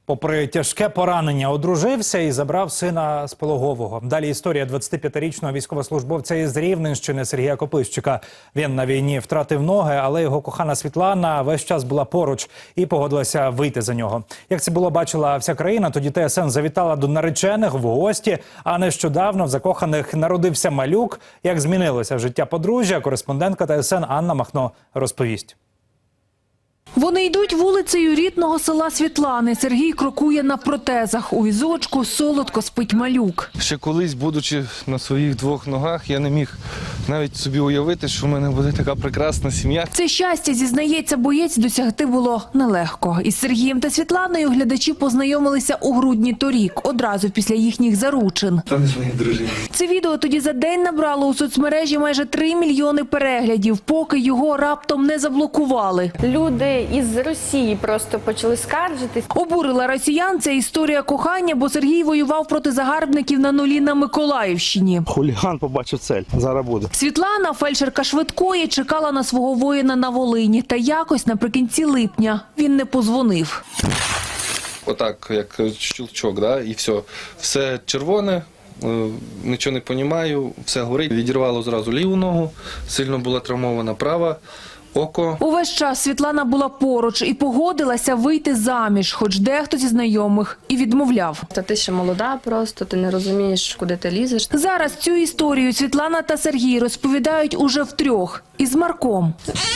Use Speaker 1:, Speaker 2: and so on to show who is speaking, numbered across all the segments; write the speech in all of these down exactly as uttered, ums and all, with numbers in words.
Speaker 1: Попри тяжке поранення, одружився і забрав сина з пологового. Далі історія двадцятип'ятирічного військовослужбовця із Рівненщини Сергія Копищика. Він на війні втратив ноги, але його кохана Світлана весь час була поруч і погодилася вийти за нього. Як це було, бачила вся країна, тоді Т С Н завітала до наречених в гості, а нещодавно в закоханих народився малюк. Як змінилося життя подружжя, кореспондентка Т С Н Анна Махно розповість.
Speaker 2: Вони йдуть вулицею рідного села Світлани. Сергій крокує на протезах. У візочку солодко спить малюк.
Speaker 3: Ще колись, будучи на своїх двох ногах, я не міг навіть собі уявити, що в мене буде така прекрасна сім'я.
Speaker 2: Це щастя, зізнається боєць, досягти було нелегко. Із Сергієм та Світланою глядачі познайомилися у грудні торік, одразу після їхніх заручин.
Speaker 3: Це не ж мої дружини.
Speaker 2: Це відео тоді за день набрало у соцмережі майже три мільйони переглядів, поки його раптом не заблокували.
Speaker 4: Люди із Росії просто почали скаржитись.
Speaker 2: Обурила росіян ця історія кохання, бо Сергій воював проти загарбників на нулі на Миколаївщині.
Speaker 5: Хуліган побачив цель. Зараз буде.
Speaker 2: Світлана, фельдшерка швидкої, чекала на свого воїна на Волині. Та якось наприкінці липня він не подзвонив.
Speaker 3: Отак, як щелчок, да? І все. Все червоне, нічого не розумію, все горить. Відірвало зразу ліву ногу, сильно була травмована права. Око.
Speaker 2: Увесь час Світлана була поруч і погодилася вийти заміж, хоч дехто зі знайомих і відмовляв.
Speaker 4: Та ти ще молода просто, ти не розумієш, куди ти лізеш.
Speaker 2: Зараз цю історію Світлана та Сергій розповідають уже втрьох із Марком.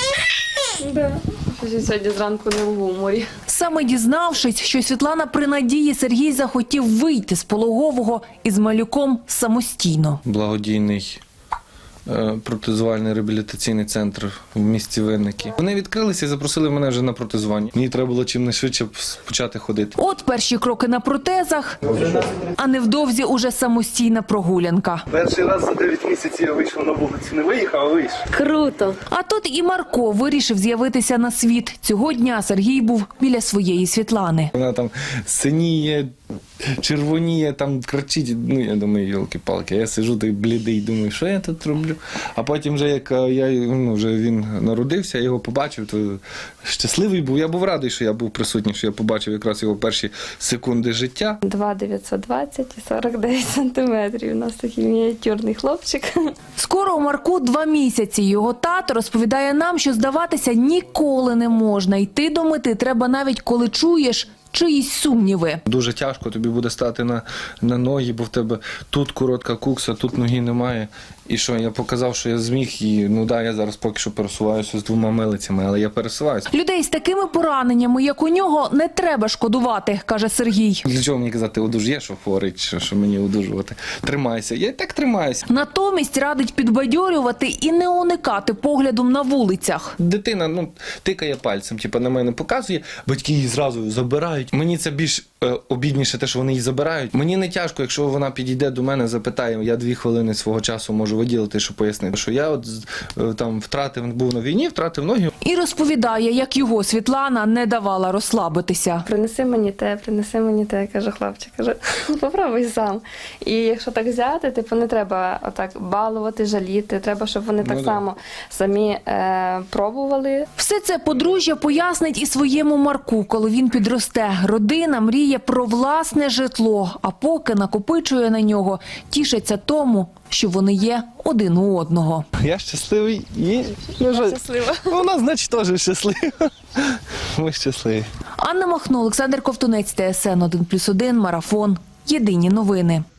Speaker 4: Да. Сьогодні зранку не в гуморі.
Speaker 2: Саме дізнавшись, що Світлана при надії, Сергій захотів вийти з пологового із малюком самостійно.
Speaker 3: Благодійний протезувальний реабілітаційний центр в місті Винники. Вони відкрилися і запросили мене вже на протезування. Мені треба було чимнайшвидше почати ходити.
Speaker 2: От перші кроки на протезах, а невдовзі уже самостійна прогулянка.
Speaker 5: Перший раз за дев'ять місяців я вийшов на вулицю. Не виїхав, а вийшов.
Speaker 4: Круто!
Speaker 2: А тут і Марко вирішив з'явитися на світ. Цього дня Сергій був біля своєї Світлани.
Speaker 3: Вона там синіє, червоніє, там кричить. Ну, я думаю, йолки-палки. Я сиджу так блідий, думаю, що я тут роблю? А потім, вже як я, ну, вже він народився, я його побачив, то щасливий був. Я був радий, що я був присутній, що я побачив якраз його перші секунди життя.
Speaker 4: два дев'ятсот двадцять і сорок дев'ять сантиметрів. У нас такий мініатюрний хлопчик.
Speaker 2: Скоро у Марку два місяці. Його тато розповідає нам, що здаватися ніколи не можна. Йти до мети треба навіть коли чуєш чиїсь сумніви.
Speaker 3: Дуже тяжко тобі буде стати на, на ноги, бо в тебе тут коротка кукса, тут ноги немає. І що, я показав, що я зміг, і ну да, я зараз поки що пересуваюся з двома милицями, але я пересуваюся.
Speaker 2: Людей з такими пораненнями, як у нього, не треба шкодувати, каже Сергій.
Speaker 3: Для чого мені казати, одужує, що хворить, що, що мені одужувати? Тримайся. Я і так тримаюся.
Speaker 2: Натомість радить підбадьорювати і не уникати поглядом на вулицях.
Speaker 3: Дитина, ну, тикає пальцем, типу, на мене показує, батьки її зразу забирають. Мені це більш е, обідніше те, що вони її забирають. Мені не тяжко, якщо вона підійде до мене, запитає, я дві хвилини свого часу можу виділити, щоб пояснити, що я от е, там втратив, був на війні, втратив ноги.
Speaker 2: І розповідає, як його Світлана не давала розслабитися.
Speaker 4: Принеси мені те, принеси мені те, каже хлопчик. Каже, попробуй сам. І якщо так взяти, типу не треба отак балувати, жаліти. Треба, щоб вони так
Speaker 3: ну,
Speaker 4: само самі е, пробували.
Speaker 2: Все це подружжя пояснить і своєму Марку, коли він підросте. Родина мріє про власне житло, а поки накопичує на нього, тішиться тому, що вони є один у одного.
Speaker 3: Я щасливий і
Speaker 4: Щаслива.
Speaker 3: вона, значить, теж щаслива. Ми щасливі.
Speaker 2: Анна Махно, Олександр Ковтунець, Т С Н один плюс один, Марафон. Єдині новини.